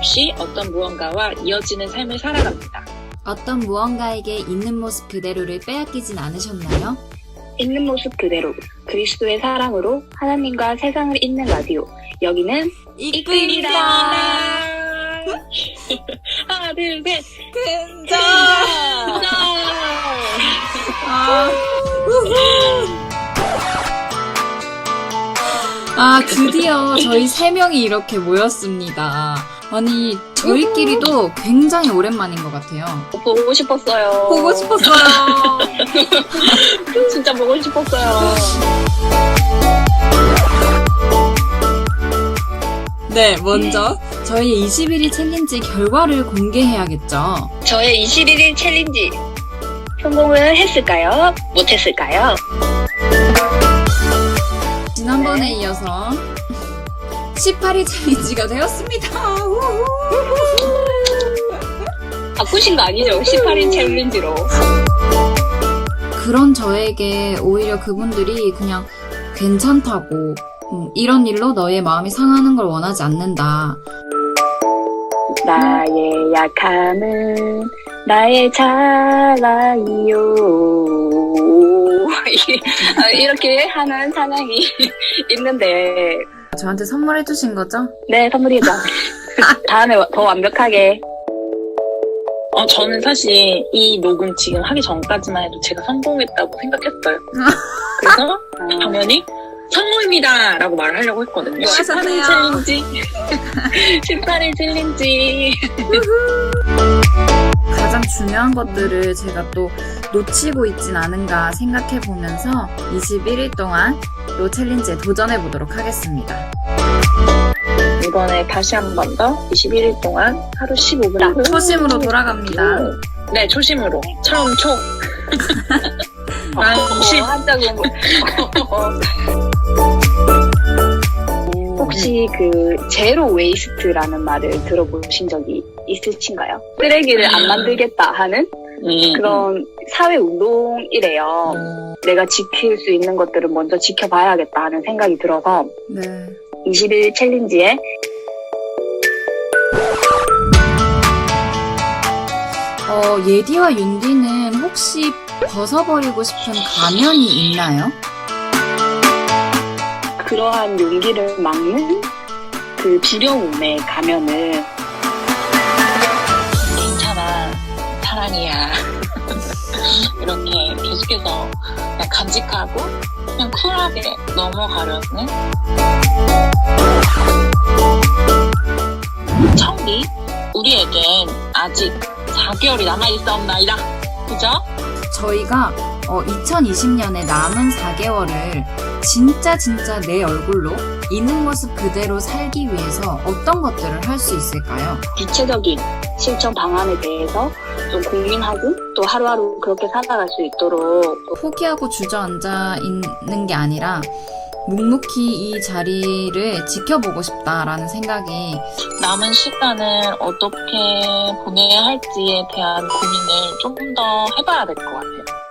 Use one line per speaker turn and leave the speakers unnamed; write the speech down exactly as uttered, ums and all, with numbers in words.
없이 어떤 무언가와 이어지는 삶을 살아갑니다.
어떤 무언가에게 있는 모습 그대로를 빼앗기진 않으셨나요?
있는 모습 그대로 그리스도의 사랑으로 하나님과 세상을 잇는 라디오. 여기는
이끌입니다.
하나, 둘, 셋.
근정!
짠!
아, 아, 드디어 저희 세 명이 이렇게 모였습니다. 아니, 저희끼리도 굉장히 오랜만인 것 같아요.
보고 싶었어요.
보고 싶었어요.
진짜 보고 싶었어요.
네, 먼저 저희 이십일 일 챌린지 결과를 공개해야겠죠.
저의 이십일 일 챌린지 성공을 했을까요? 못했을까요?
지난번에 이어서 십팔 일 챌린지가 되었습니다.
바꾸신 거 아니죠? 십팔 일 챌린지로.
그런 저에게 오히려 그분들이 그냥 괜찮다고, 음, 이런 일로 너의 마음이 상하는 걸 원하지 않는다.
나의 약함은 나의 자랑이요. 이렇게 하는 찬양이 있는데.
저한테 선물해주신 거죠?
네, 선물이죠. 다음에 더 완벽하게.
어, 저는 사실 이 녹음 지금 하기 전까지만 해도 제가 성공했다고 생각했어요. 그래서 당연히 성공입니다! 라고 말을 하려고 했거든요. 십팔 일 챌린지. 십팔 일 챌린지.
가장 중요한 것들을 제가 또 놓치고 있진 않은가 생각해 보면서 이십일 일 동안 또 챌린지에 도전해 보도록 하겠습니다.
이번에 다시 한 번 더 이십일 일 동안 하루 십오 분.
초심으로 돌아갑니다.
네, 초심으로. 처음 초. 아, 십.
한자 공부. 혹시 그 제로 웨이스트라는 말을 들어보신 적이 있으신가요? 쓰레기를 안 만들겠다 하는
음.
그런 사회 운동이래요.
음.
내가 지킬 수 있는 것들을 먼저 지켜봐야겠다 하는 생각이 들어서
네.
이십일 일 챌린지에
어, 예디와 윤디는 혹시 벗어버리고 싶은 가면이 있나요?
그러한 용기를 막는 그 두려움의 가면을
괜찮아. 사랑이야. 이렇게 계속해서 그냥 간직하고 그냥 쿨하게 넘어가려는 청기 우리에겐 아직 사 개월이 남아있사옵나이다. 그죠?
저희가 어, 이천이십 년에 남은 사 개월을 진짜 진짜 내 얼굴로 있는 모습 그대로 살기 위해서 어떤 것들을 할 수 있을까요?
구체적인 실천 방안에 대해서 좀 고민하고 또 하루하루 그렇게 살아갈 수 있도록
포기하고 주저앉아 있는 게 아니라 묵묵히 이 자리를 지켜보고 싶다라는 생각이
남은 시간을 어떻게 보내야 할지에 대한 고민을 조금 더 해봐야 될 것 같아요.